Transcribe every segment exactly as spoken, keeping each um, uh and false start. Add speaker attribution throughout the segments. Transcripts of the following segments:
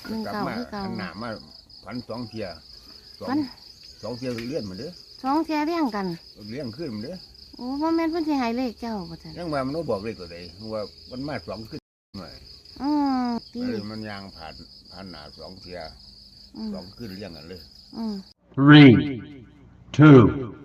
Speaker 1: หนึ่ง
Speaker 2: กลับ
Speaker 1: เก่า
Speaker 2: มา
Speaker 1: คือเก่า
Speaker 2: อันหนามาพันสองเทียสอง
Speaker 1: พัน
Speaker 2: สองเทียเลี้ยนเหมือนเด้อ
Speaker 1: สองเที่ยเรียงกัน
Speaker 2: เลี้ยงขึ้นเหมือนเด้อ
Speaker 1: โอ้พ่อแม่นเพิ่นสิให้เลขเจ้าบ่ซั่น
Speaker 2: ยังว่ามันต้องบอกเลยตัวใดว่ามันมาสองขึ้นหน่อย
Speaker 1: อืมตี
Speaker 2: เลยมันยางผ่านผ่านหนาสองเทีย
Speaker 1: อืม
Speaker 2: สองขึ้นเลี้ยงกันเลย
Speaker 1: อืม
Speaker 3: Three, two,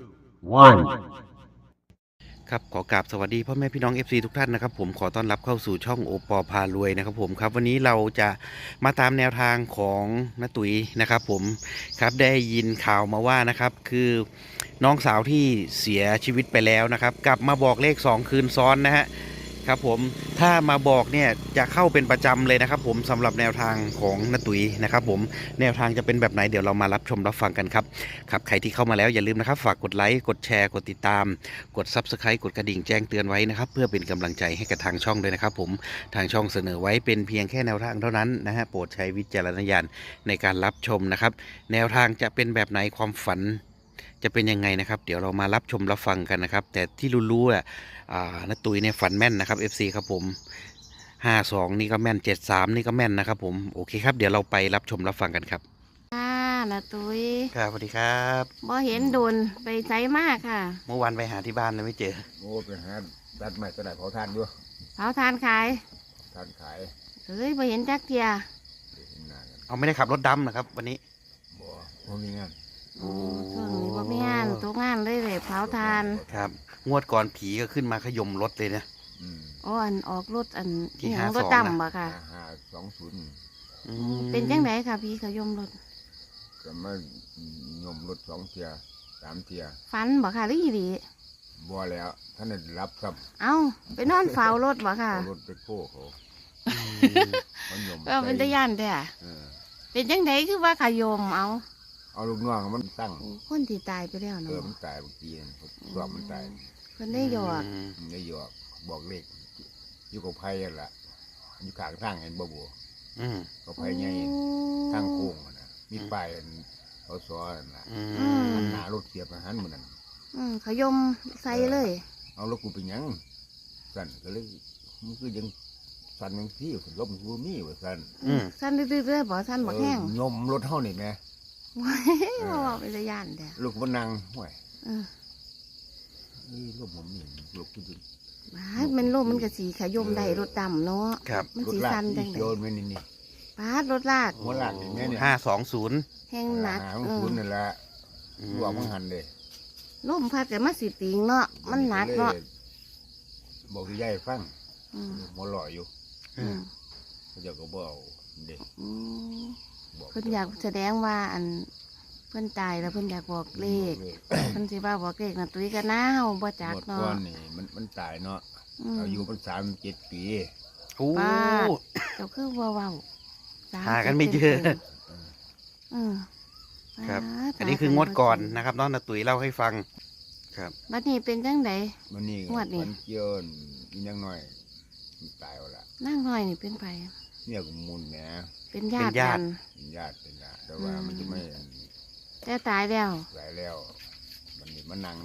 Speaker 3: one.
Speaker 4: ครับขอกราบสวัสดีพ่อแม่พี่น้อง เอฟ ซี ทุกท่านนะครับผมขอต้อนรับเข้าสู่ช่องโอปอพารวยนะครับผมครับวันนี้เราจะมาตามแนวทางของน้าตุ๋ยนะครับผมครับได้ยินข่าวมาว่านะครับคือน้องสาวที่เสียชีวิตไปแล้วนะครับกลับมาบอกเลขสองคืนซ้อนนะฮะครับผมถ้ามาบอกเนี่ยจะเข้าเป็นประจำเลยนะครับผมสำหรับแนวทางของน้าตุ๋ยนะครับผมแนวทางจะเป็นแบบไหนเดี๋ยวเรามารับชมรับฟังกันครับครับใครที่เข้ามาแล้วอย่าลืมนะครับฝากกดไลค์กดแชร์กดติดตามกด ซับสไครบ์ กดกระดิ่งแจ้งเตือนไว้นะครับเพื่อเป็นกำลังใจให้กับทางช่องด้วยนะครับผมทางช่องเสนอไว้เป็นเพียงแค่แนวทางเท่านั้นนะฮะโปรดใช้วิจารณญาณในการรับชมนะครับแนวทางจะเป็นแบบไหนความฝันจะเป็นยังไงนะครับเดี๋ยวเรามารับชมรับฟังกันนะครับแต่ที่รู้ๆอ่ะอ่าน้าตุ๋ยเนี่ยฝันแม่นนะครับ เอฟ ซี ครับผมห้าสองนี่ก็แม่นเจ็ดสามนี่ก็แม่นนะครับผมโอเคครับเดี๋ยวเราไปรับชมรับฟังกันครับ
Speaker 1: ค่ะน้าตุ้ย
Speaker 4: ครับสวัสดีครับ
Speaker 1: บ่เห็นโดนไปไสมากค่ะ
Speaker 4: เมื่อวานไปหาที่บ้านเลยไม่เจอ
Speaker 2: โอ้ไปหาตัดไม้ตัดไหนเผาทานด้วย
Speaker 1: เผาทานขาย
Speaker 2: ทานขาย
Speaker 1: เฮ้ยบ่เห็นจักเที่ย
Speaker 2: เดี๋ยวเห็นหน้ากัน
Speaker 4: เอาไม่ได้ขับรถดำนะครับวันนี้
Speaker 2: บ่บ่มีงาน
Speaker 1: โอ้ช่วงนี้บ่มีงานตกงานเลยเลยเผาทาน
Speaker 4: ครับงวดก่อนผีก็ขึ้นมาขย่มรถเลยนะ
Speaker 2: อืม
Speaker 1: อ๋ออันออกรถอัน
Speaker 4: ที่
Speaker 1: อิหยัง
Speaker 4: ห้าร
Speaker 1: ถ
Speaker 4: สอง
Speaker 1: ดำบ่ค่ะ
Speaker 2: ห้าห้าสองศูนย์
Speaker 4: อืม
Speaker 1: เป็นจังไดค่ะพี่ขยมรถ
Speaker 2: ก็มายมรถสองเทียสามเทีย
Speaker 1: ฟันบ่ค่ะหรืออีหลี
Speaker 2: บ่แล้วท่านได้รับครับ
Speaker 1: เอ้าไปนอนเฝ้ารถบ่ค่ะ
Speaker 2: เอารถไปโค้เขาเขายม
Speaker 1: ก็เป็นตะย่านแท้
Speaker 2: เออ
Speaker 1: เป็นจังไดคือว่าขยมเอา
Speaker 2: เอาลูกน้องมันตั้ง
Speaker 1: โอ้คนที่ตายไปแล้ว
Speaker 2: เอ
Speaker 1: เนาะ
Speaker 2: อมันตายเมื่อกี้นั่นรอบมันตาย
Speaker 1: เพิ่นได้หยอก
Speaker 4: ม
Speaker 2: มันได้หยอกบอกเลขอยู่กับไผ่นั่นล่ะอยู่ข้างทางเห็นบ่บัว
Speaker 4: อืม
Speaker 2: กับไผ่ใหญ่ทางโค้งนั่นน่ะมีป้ายอันเขาสอนนั่นล่ะ
Speaker 4: อื
Speaker 1: อื
Speaker 4: ม
Speaker 1: ม
Speaker 2: หน้ารถเสียบอาหารมื้อนั้น
Speaker 1: อืมขยมใส่เลย
Speaker 2: เอารถกูไปหยังสั่นก็เลยมันคือยังสั่นยังที่รถมันบ่มีว่าสั่น
Speaker 4: อืม
Speaker 1: สั้นดื้อๆเลยบ่สั้นบ่แห้ง
Speaker 2: เออยมรถเฮานี่แหม
Speaker 1: ว้ายบ่ว่าเป็นตะย่านแท้
Speaker 2: ลูกมันนั่งห้วย
Speaker 1: เออ
Speaker 2: นี่รถผมนี่ลูกกูดิ
Speaker 1: บ้าดมันลมมันก็สิขยมได้รถดำเนาะ
Speaker 4: ครับ
Speaker 1: มัน
Speaker 2: รถ
Speaker 1: สิ
Speaker 2: ลาก
Speaker 1: สั้นจังได๋
Speaker 2: โยนไว้นี่นี่
Speaker 1: ปาดรถลาก
Speaker 2: หัวลากนี่แม่เนี่ย
Speaker 4: ห้าสองศูนย์
Speaker 1: แห้งหนัก
Speaker 2: หา
Speaker 1: เอ
Speaker 2: คุ
Speaker 1: อ
Speaker 2: ณนั่นแหละรวมมันหันเลย
Speaker 1: ลมพัดก็มาสิติงเนาะมันหนักเนาะ
Speaker 2: บอกที่ยายฟัง
Speaker 1: อืม
Speaker 2: หมอหล่ออยู่
Speaker 1: อืม
Speaker 2: เขาเจะก็บอกเด็ก
Speaker 1: อืม
Speaker 2: บอก
Speaker 1: เพิ่นอยากแสดงว่าอันเพิ่นตายแล้วเพิ่นอยากบอกเลข
Speaker 2: บอก
Speaker 1: เพิ่นสิว่าบอกเลขน่ะตุ้ยก็น่าเฮาบ่จัก
Speaker 2: หมด
Speaker 1: เนาะ
Speaker 2: ก้อนนี่มันมันตายเนาะ
Speaker 1: อืม
Speaker 2: อายุมันสามเจ็ดปี
Speaker 4: โอ้
Speaker 1: ป้า เจ้าคือว่าเว้าส
Speaker 4: หากันไม่เจอ
Speaker 1: อืม
Speaker 4: ครับ
Speaker 1: ป้า
Speaker 4: อันนี้คืองวดก่อนนะครับน้องนาตุ๋ยเล่าให้ฟังครับ
Speaker 1: บัดนี้เป็นจังได
Speaker 2: มันนี่
Speaker 1: งวดนี่
Speaker 2: มันเกี่ยวอีกอยังน้อยมันตายเอาละ
Speaker 1: นางน้อยนี่เป็นไผ
Speaker 2: เนี่ยก็มุนแหม
Speaker 1: เป็นญาติกัน
Speaker 2: เป็นญาติเป็นญาติแต่ว่า
Speaker 1: อืม
Speaker 2: มันจะไม่
Speaker 1: แต่ตายแล้ว
Speaker 2: หลายแล้ว มันนี่มันนั่ง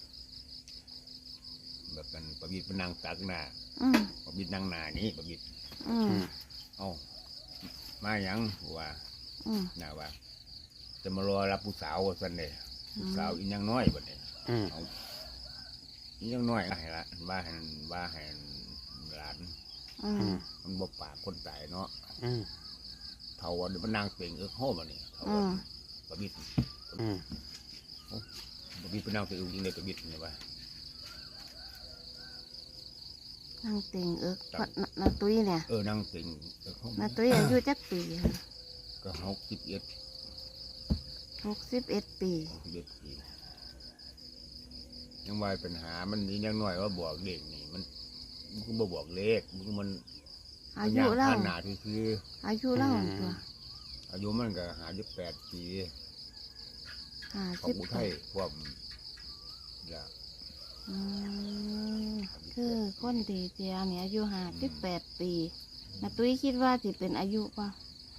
Speaker 2: แบบมันประบิดมันนั่งตักหน้า
Speaker 1: อืม
Speaker 2: ประบิดนั่งหน้านี้ประบิด
Speaker 1: อืม
Speaker 2: เอ้ามาหยังว่า
Speaker 1: อืม
Speaker 2: น่าว่า จะมารอรับผู้สาวว่าสันเดยผู้สาวอีนยังน้อยบัดนี้
Speaker 4: อืม
Speaker 2: เอาอีนยังน้อยให้ละว่าให้ว่าให้หลาน
Speaker 1: อื
Speaker 4: อื
Speaker 1: ม
Speaker 4: ม
Speaker 2: มันบ่ปากคนตายเนาะ
Speaker 4: อืม
Speaker 2: เท่าว่าเดี๋ยวมันนางเปล่งเออโห่บัดนี้เท่า
Speaker 1: อื
Speaker 2: ว่าม ประบิด
Speaker 4: อืม
Speaker 2: ประบิดเป็นนางเปล่งจริงเลยประบิดเนี่ยว่า
Speaker 1: นางเต็งเอิกเพราะนานาตุ้ยเนี่ย
Speaker 2: เออนางเปล่งเออโห่
Speaker 1: นาตุ้ยอายุจักปีค่ะ
Speaker 2: ก็หกสิบเอ็ด
Speaker 1: หกสิบเอ็ดปี
Speaker 2: หกสิบเอ็ดปียังว่าปัญหามันอีนยังน้อยว่าบอกเลขนี่มันมันก็บ่บอกเลขมันก็มัน
Speaker 1: อายุเล่า
Speaker 2: ขนาดที่คือ
Speaker 1: อายุเล่าตัว
Speaker 2: อายุมันก็หายุแปดปี
Speaker 1: ห้า
Speaker 2: ของ
Speaker 1: สิบ
Speaker 2: อุ
Speaker 1: แป
Speaker 2: ทัย
Speaker 1: ด
Speaker 2: ความอยาก
Speaker 1: อืมคือคนที่เจียเนี่ยอายุห้าสิบแปดปีนาตุ้ยคิดว่าสิเป็นอายุป่ะ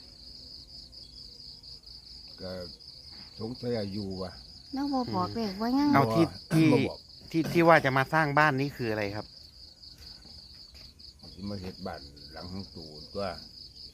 Speaker 2: ก็สงสัยอายุว่ะ
Speaker 1: น้องบอบอกเลยว่างั้ง
Speaker 4: เอาที่ที่
Speaker 2: บ่บอก
Speaker 4: ที่ที่ว่าจะมาสร้างบ้านนี้คืออะไรครับ
Speaker 2: ที่มาเห็ดบ้านหลังของตูนตัว
Speaker 4: อ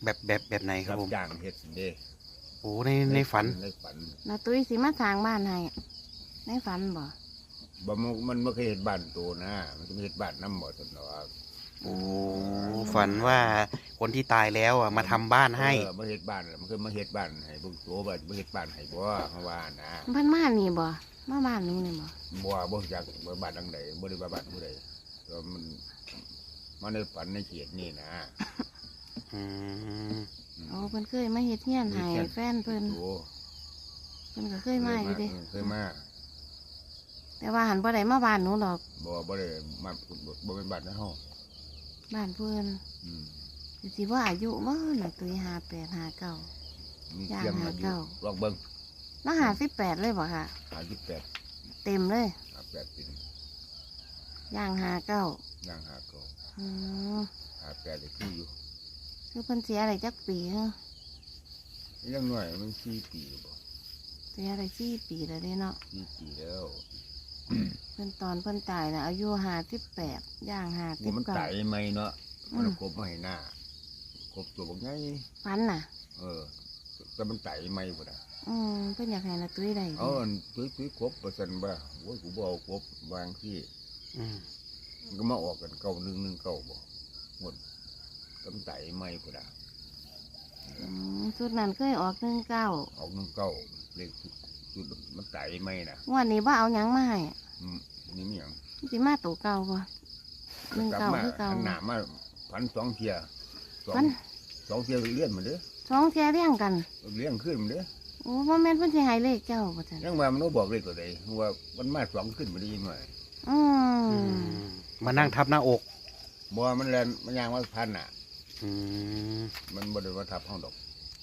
Speaker 4: แบบแบบแบบไหนครับ
Speaker 2: รับ
Speaker 4: ผม
Speaker 2: จ้างเฮ็ดเด้
Speaker 4: โอ้ในในฝัน
Speaker 2: ในฝัน
Speaker 1: นาตุ้ยสิมาสร้างบ้านให้ในฝันบ่
Speaker 2: บ่มันมันบ่เคยเฮ็ดบ้านตัวนะ มันจะเฮ็ดบ้านน้ำบ่ซั่นดอก
Speaker 4: โอ้ฝันว่าคนที่ตายแล้วอ่ะมาทำบ้านให้
Speaker 2: เออมาเฮ็ดบ้านแล้วมันเคยมาเฮ็ดบ้านให้เบิ่งตัวบ่ามาเฮ็ดบ้านให้บ่เขาว่านะ
Speaker 1: เพิ่นมานี่บ่มาบ้านหนูนี่บ่
Speaker 2: บ่บ่รู้จักว่าบ้านหลังใดบ่ได้ว่าบ้านผู้ใดแล้วมันมาในฝันในเขตนี่นะ
Speaker 4: อืม
Speaker 1: โอ้เพิ่นเคยมาเฮ็ดเฮียนให้แฟนเพิ่น
Speaker 2: โอ้
Speaker 1: เพิ่นก็เคยมาอยู่เด้
Speaker 2: เคยมา
Speaker 1: แต่ว่าหันบ่ได้มาบ้านหนูหรอก
Speaker 2: บ่บ่ได้มาบ่เป็นบ้านในเฮา
Speaker 1: บ้านเพิ่น
Speaker 2: อืม
Speaker 1: สิว่าอายุบ่น่ะตุ้ยห้าแปดห้าเก้า
Speaker 2: มี
Speaker 1: ย่าง
Speaker 2: เสียงมา
Speaker 1: หา
Speaker 2: อยู่
Speaker 1: เก้า
Speaker 2: ลองเบิ่ง
Speaker 1: แล้วห้าสิบแปดเลยบ่ค่ะ
Speaker 2: ห้าสิบแปด
Speaker 1: เต็มเลย
Speaker 2: ห้าสิบแปดปี
Speaker 1: ย่างห้าเก้า
Speaker 2: ย่างหาเก็
Speaker 1: อืม
Speaker 2: ห้าสิบแปดได้คืออยู่
Speaker 1: คือเพิ่นเสียอะไรจักปีฮะ
Speaker 2: ยังน้อยมันสี่ปีบ่
Speaker 1: เสียอะไรสี่ปีแล้วเด้เนาะ
Speaker 2: สี่ปีแล้ว
Speaker 1: เพิ่นตอนเพิ่นตายน่ะอายุห้าสิบแปดย่างห้าสิ
Speaker 2: ว่า
Speaker 1: บ
Speaker 2: มัน
Speaker 1: เก้า
Speaker 2: ไต่ไหมเนาะ
Speaker 1: อืม
Speaker 2: มันกบมาให้หน้า กบตัวบักไง
Speaker 1: ฝันน่ะ
Speaker 2: เออ แต่มันไต่ไหมพุ่นน่ะ
Speaker 1: อืมเพิ่นอยากให้นาตุ้ยได้
Speaker 2: เอาอันตุ้ยตุ้ยกบประสันบ่โอ้ยกูบ่เอากบวางที่
Speaker 4: อืม
Speaker 2: มันก็มาออกกันเก้าหนึ่งหนึ่งเก้าบ่หมดก็มันไต่ไหมพุ่นน่ะ
Speaker 1: อืมชุดนั้นเคยออกหนึ่งเก้า
Speaker 2: ออกหนึ่งเก้าเลขสุดมันไต่ไหมน่ะ
Speaker 1: งวันนี้ว่าเอาหยังมาให้
Speaker 2: อืมนี่มีหยัง
Speaker 1: สิมาตัวเก่าบ่หนึ่ง
Speaker 2: กลับ
Speaker 1: เก้า
Speaker 2: มา
Speaker 1: คือเก่า
Speaker 2: หันหน้ามาพันสองเทียสอง
Speaker 1: พัน
Speaker 2: สองเทียเลี้ยนมาเด้อ
Speaker 1: สองเทียเรียงกัน
Speaker 2: เลี้ยงขึ้นมาเด้อ
Speaker 1: โอ้บ่แม่นเพิ่นสิให้เลขเจ้าบ่ซั่น
Speaker 2: ยังว่ามันบ่บอกเลขตัวใดว่ามันมาสองขึ้นมาได้ยังไง
Speaker 1: อื
Speaker 4: อื
Speaker 1: ม
Speaker 4: มมานั่งทับหน้าอก
Speaker 2: บ่มันแลนมันยางว่าพันน่ะ
Speaker 4: อืม
Speaker 2: มันบ่ได้ว่าทับห้องดอก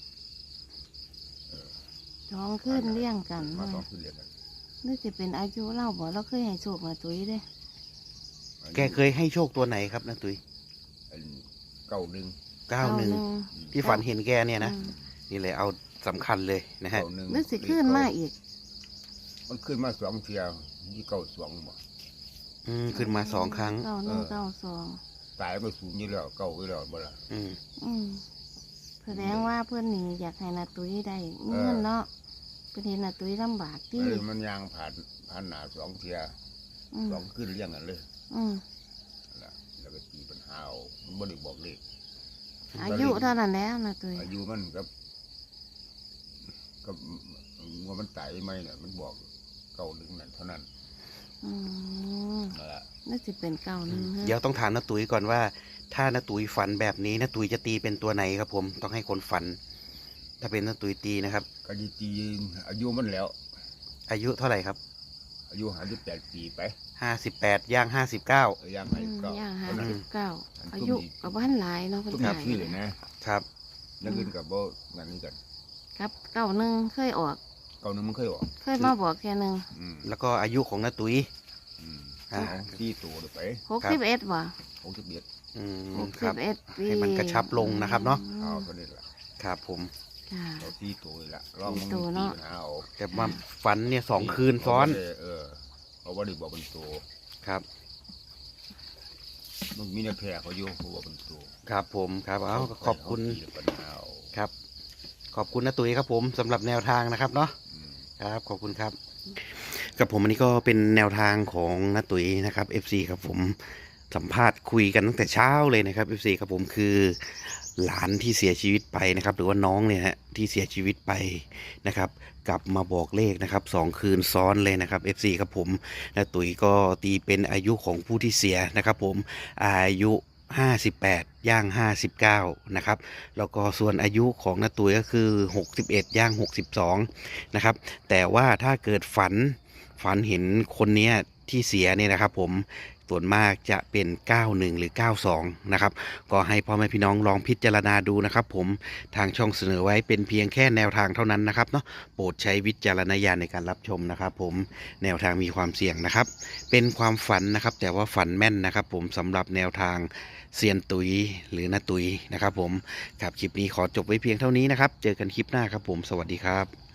Speaker 1: สองขึ้นเรียงกัน
Speaker 2: มาสองขึ้นเรียงกัน
Speaker 1: นึกสิเป็นอายุเล่าบ่เราเคยให้โชคนาตุ้ยเด้
Speaker 4: แกเคยให้โชคตัวไหนครับนาตุ้ย
Speaker 2: อันเก้าหนึ่ง
Speaker 4: เก้าหนึ่งที่ฝันเห็นแกเนี่ยนะ
Speaker 1: อืม
Speaker 4: นี่เลยเอาสำคัญเลยนะฮะ
Speaker 2: เก้าหนึ่ง
Speaker 1: นึกสิขึ้นมาอีก
Speaker 2: มันขึ้นมาสองเทียยี่เก้าสองบ่
Speaker 4: อืมขึ้นมาสองครั้ง
Speaker 1: เก้าหนึ่งเก้าสอง
Speaker 2: ตายมาสูงอยู่แล้วเก้าอยู่แล้วบ่ล่ะ
Speaker 4: อืม
Speaker 1: อืมแสดงว่าเพื่อนนี่อยากให้นาตุ้ยได้เงินเนาะเป็นเห็นนาตุ้ยลำบากที่
Speaker 2: เออมันยางผ่านผ่านหน้าสองเทีย
Speaker 1: อืม
Speaker 2: สองขึ้นเรียงกันเลย
Speaker 1: อืม
Speaker 2: นั่นล่ะแล้วก็ตีปัญหาเอามันบ่ได้บอกเลข
Speaker 1: อายุเท่านั้นแล้วนาตุ้ย
Speaker 2: อายุมันกับกับว่ามันไต่ไหมเนี่ยมันบอกเก้าหนึ่งนั่นเท่านั้น
Speaker 1: อืม
Speaker 2: นั่นแหละ
Speaker 1: นึกสิเป็นเก้าหนึ่งฮะ
Speaker 4: เดี๋ยวต้องถามนาตุ้ยก่อนว่า ถ้านาตุ้ยฝันแบบนี้นาตุ้ยจะตีเป็นตัวไหนครับผม ต้องให้คนฝัน ถ้าเป็นนาตุ้ยตีนะครับ
Speaker 2: กะดีตีอายุมันแล้ว
Speaker 4: อายุเท่าไหร่ครับ
Speaker 2: อายุห้าสิบแปดปีไป
Speaker 4: ห้าสิบแปดย่างห้าสิบเก้า
Speaker 2: เออย่าง
Speaker 1: อื
Speaker 2: ให้
Speaker 1: ม
Speaker 2: ก็
Speaker 1: ย่างห้า
Speaker 2: คนนั้น
Speaker 1: สิบเก้า
Speaker 2: อัน
Speaker 1: อา
Speaker 2: ตุ้ม
Speaker 1: ยุ
Speaker 2: นี่
Speaker 1: กับบ้านหลายเนาะเพิ่น
Speaker 2: ตุ้ม
Speaker 1: ตาย
Speaker 2: นี่เลยนะครับ นักเรียนกับโบนั่นนี่กัน
Speaker 1: ครับเก้าหนึ่งเคยออก
Speaker 2: เก้าหนึ่งมันเคยออก
Speaker 1: เคยมาบอกแค่หนึ่ง
Speaker 2: อืม
Speaker 4: แล้วก็อายุของนาตุ้ย
Speaker 2: อืม
Speaker 4: อ่า
Speaker 2: เอาที่ตัวเลยไป
Speaker 1: หกสิบเอ็ดบ่
Speaker 2: หกสิบเอ็ด
Speaker 4: อืม
Speaker 1: หก
Speaker 4: ค
Speaker 1: สิ
Speaker 4: รั
Speaker 1: บบ เอ็ดปี
Speaker 4: ให้มันกระชับลงนะครับเนาะ
Speaker 2: เอาก็นี่แหละ
Speaker 4: ครับผม
Speaker 1: ค่ะ
Speaker 2: เอาที่ตัวเลยละลองมึง
Speaker 1: ที่ตัวเนาะ
Speaker 2: ปัญหาเอา
Speaker 4: แต่มาฝันเนี่ยสองคืนซ้อน
Speaker 2: เาบ่ได้เออเอาว่าได้บอกเป็นตัว
Speaker 4: ครับ
Speaker 2: มันมีในแพร่เขาอยู่เขาบอกเป็นตัว
Speaker 4: ครับผมครับเอาขอบคุณ
Speaker 2: เอาที่ปัญหาเอา
Speaker 4: ครับ ขอบคุณนาตุ้ยครับผมสำหรับแนวทางนะครับเนาะ
Speaker 2: อืม
Speaker 4: ครับขอบคุณครับกับผมอันนี้ก็เป็นแนวทางของนาตุ๋ยนะครับ เอฟ ซี ครับผมสัมภาษณ์คุยกันตั้งแต่เช้าเลยนะครับ เอฟ ซี ครับผมคือหลานที่เสียชีวิตไปนะครับ หรือว่าน้องเนี่ยฮะที่เสียชีวิตไปนะครับ กลับมาบอกเลขนะครับสองคืนซ้อนเลยนะครับ เอฟ ซี ครับผมนาตุ๋ยก็ตีเป็นอายุของผู้ที่เสียนะครับ ผมอายุห้าสิบแปดย่างห้าสิบเก้านะครับแล้วก็ส่วนอายุของนาตุ๋ยก็คือหกสิบเอ็ดย่างหกสิบสองนะครับแต่ว่าถ้าเกิดฝันฝันเห็นคนเนี้ยที่เสียเนี่ยนะครับผมส่วนมากจะเป็นเก้าหนึ่งหรือเก้าสองนะครับก็ให้พ่อแม่พี่น้องลองพิจารณาดูนะครับผมทางช่องเสนอไว้เป็นเพียงแค่แนวทางเท่านั้นนะครับเนาะโปรดใช้วิจารณญาณในการรับชมนะครับผมแนวทางมีความเสี่ยงนะครับเป็นความฝันนะครับแต่ว่าฝันแม่นนะครับผมสำหรับแนวทางเซียนตุยหรือนาตุยนะครับผมครับคลิปนี้ขอจบไว้เพียงเท่านี้นะครับเจอกันคลิปหน้าครับผมสวัสดีครับ